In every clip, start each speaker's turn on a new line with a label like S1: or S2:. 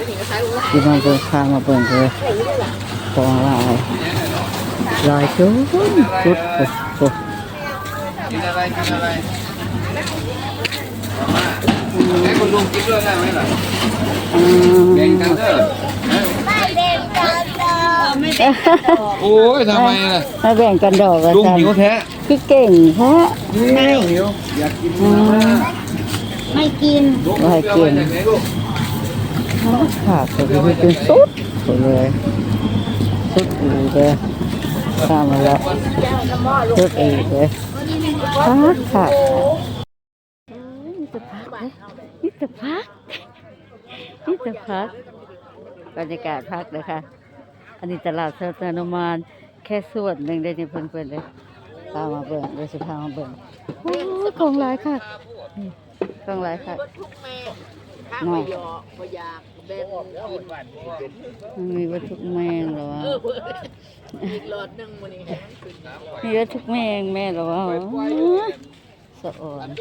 S1: ที่มาเบิ่งพามาเบิ่งเลยของลายจุดจุดโอ้
S2: กินอะไรกินอะไรแม่คุณลุงกินด้วยได้ไหมล่ะแบ่งกันเถอะโอ้ยทำไมล่ะ
S1: มาแบ่งกันดอกกัน
S2: ลุงหิวแท้
S1: พี่เก่งแท้ไม่
S2: หิวอยากกิน
S1: ไม่กินไม่กินขาดเลยเป็นสุดเลยสุดอีกเลยข้ามาแล้วสุดอีกเลยขาดนี่จะพักเลยนี่จะพักนี่จะพักบรรยากาศพักเลยค่ะอันนี้ตลาดเซอร์เตอร์นมานแค่ส่วนหนึ่งได้ในเพื่อนๆเลยพามาเบิ่งเลยสิพามาเบิ่งโอ้ของหลายค่ะของหลายค่ะน้องมันมีวัตถุแมงหรอวะมีวัตถุแมงแม่หรอวะสะอ่อน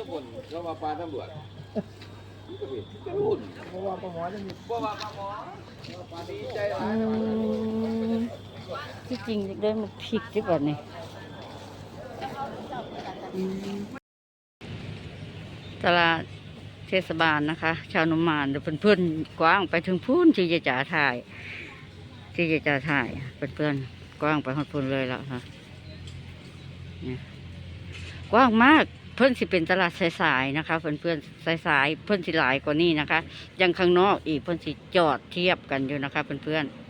S1: ที่จริงได้มาพริกดีกว่านี่ตลาดเทศบาลนะคะชาวนมานเดี๋ยวเพื่อนๆกว้างไปถึงพูนที่จะจ่าถ่ายที่จะจ่าถ่ายเพื่อนๆกว้างไปหดพูนเลยแล้วค่ะกว้างมากเพื่อนสิเป็นตลาดสายๆนะคะเพื่อนๆสายๆเพื่อนสิหลายกว่านี้นะคะยังข้างนอกอีกเพื่อนสิจอดเทียบกันอยู่นะคะเพื่อนๆ